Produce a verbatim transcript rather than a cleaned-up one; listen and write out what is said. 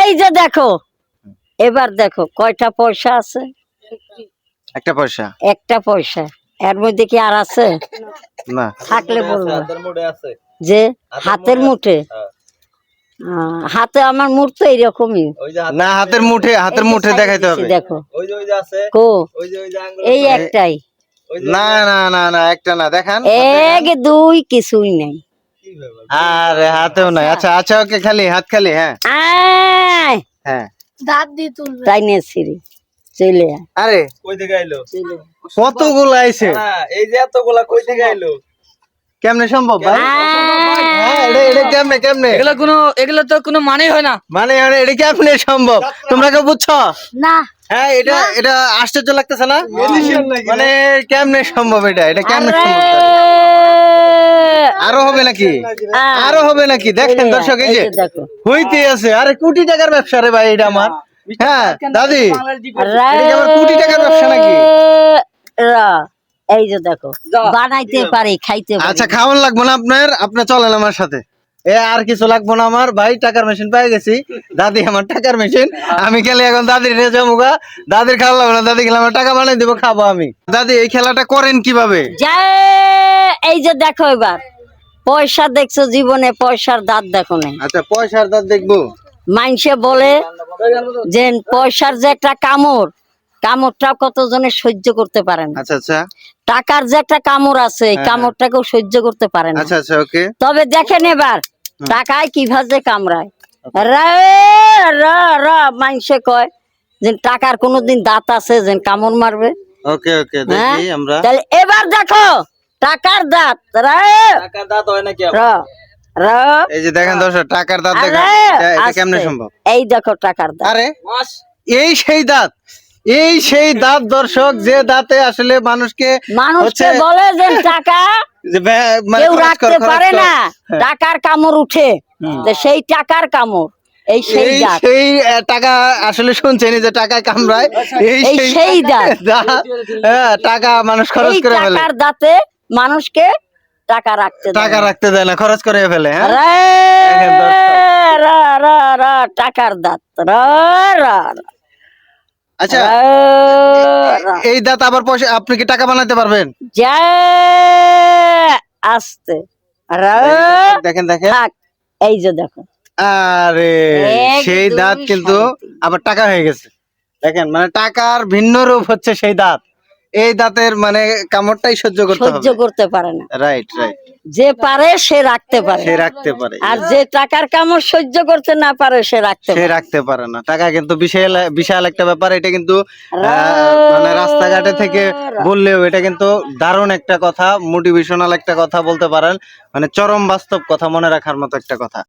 এই যে দেখো, এবার দেখো কয়টা পয়সা আছে? একটা পয়সা। একটা পয়সা। এর মধ্যে কি আর আছে? না। থাকলে বলবো যে হাতের মুঠে। আহ, হাতে আমার মুঠ তো এইরকমই। না, হাতের মুঠে, হাতের মুঠে দেখাইতে হবে। দেখো কো এই একটাই। না না না না, একটা না, দেখান। এক দুই কিছুই নাই। আরে হাতেও নাই। আচ্ছা আচ্ছা, ওকে, খালি হাত খালি। হ্যাঁ আয় হ্যাঁ, দাঁত দিয়ে তুলবে তাই নিয়ে ছিড়ি চলে আয়। আরে কই থেকে আইলো? কতগুলো আইছে? এই যে এতগুলা কই থেকে আইলো? কেমনে সম্ভব ভাই? হ্যাঁ, এটা এটা কেমনে কেমনে? এগুলো কোনো এগুলো তো কোনো মানেই হয় না। মানে মানে এটা কেমনে সম্ভব? তোমরা কেউ বুঝছো? না। হ্যাঁ, এটা এটা আশ্চর্য লাগতেছে না? মানে কেমনে সম্ভব এটা? এটা কেমনে সম্ভব? আরো হবে নাকি? আরো হবে নাকি? দেখেন দর্শক, এই যে হইতে আছে। আরে কোটি টাকার ব্যবসা রে ভাই এটা আমার। হ্যাঁ দাদি, এটা কি আমার কোটি টাকার ব্যবসা নাকি? এই যে দেখো, বানাইতে পারি, খাইতে পারি। আচ্ছা, খাওয়ান লাগবো না আপনার, আপনি চলেন আমার সাথে। এ আর কিছু লাগবো না আমার ভাই, টাকার মেশিন পেয়ে গেছি। দাদি আমার টাকার মেশিন, আমি খেলে এখন দাদির নিয়ে যাবো গা। দাদির খাওয়া লাগবে না, দাদি খেলে আমার টাকা বানাই দিব, খাবো আমি। দাদি এই খেলাটা করেন কিভাবে? এই যে দেখো, এবার পয়সা দেখছো জীবনে, পয়সার দাঁত দেখো না। আচ্ছা, পয়সার দাঁত দেখবো। মানুষে বলে যে পয়সার যে একটা কামড়, কামড়টা কতজনে সহ্য করতে পারে না। আচ্ছা আচ্ছা। টাকার যে একটা কামড় আছে, এই কামড়টাকেও সহ্য করতে পারে না। আচ্ছা আচ্ছা, ওকে। তবে দেখেন এবার টাকায় কিভাবে কামড়ায়। রে রা রা মানুষে কয় যে টাকার কোনোদিন দাঁত আছে যে কামড় মারবে? ওকে ওকে, দেখি আমরা। তাহলে এবার দেখো টাকার দাঁত। রে টাকার দাঁত হয় নাকি? রা রা এই যে দেখেন দর্শক, টাকার দাঁত দেখেন। এটা কেমনে সম্ভব? এই দেখো টাকার দাঁত। আরে এই সেই দাঁত, এই সেই দাঁত দর্শক, যে দাঁতে আসলে মানুষকে মানুষকে বলে যে টাকা কেউ রাখতে পারে না, টাকার কামড় উঠে। সেই টাকার কামড়, এই সেই দাঁত। সেই টাকা আসলে শুনছেন যে টাকা কামড়ায়, এই সেই দাঁত। হ্যাঁ, টাকা মানুষ খরচ করে ফেলে। টাকার দাঁতে মানুষকে টাকা রাখতে টাকা রাখতে দেয় না, খরচ করে ফেলে। হ্যাঁ, রা রা রা টাকার দাঁত। রা রা আচ্ছা, এই দাঁত আবার পয়সা, আপনি কি টাকা বানাতে পারবেন? আস্তে দেখেন দেখেন, এই যে দেখো। আরে সেই দাঁত কিন্তু আবার টাকা হয়ে গেছে। দেখেন, মানে টাকার ভিন্ন রূপ হচ্ছে সেই দাঁত। এই দাঁতের মানে কামড়টাই সহ্য করতে হবে, সহ্য করতে পারে না। Right right. যে পারে সে রাখতে পারে, সে রাখতে পারে। আর যে টাকার কামড় সহ্য করতে না পারে সে রাখতে সে রাখতে পারে না। টাকা কিন্তু বিশাল বিশাল একটা ব্যাপার। এটা কিন্তু মানে রাস্তাঘাটে থেকে বললেও এটা কিন্তু দারুণ একটা কথা, মোটিভেশনাল একটা কথা বলতে পারেন, মানে চরম বাস্তব কথা, মনে রাখার মতো একটা কথা।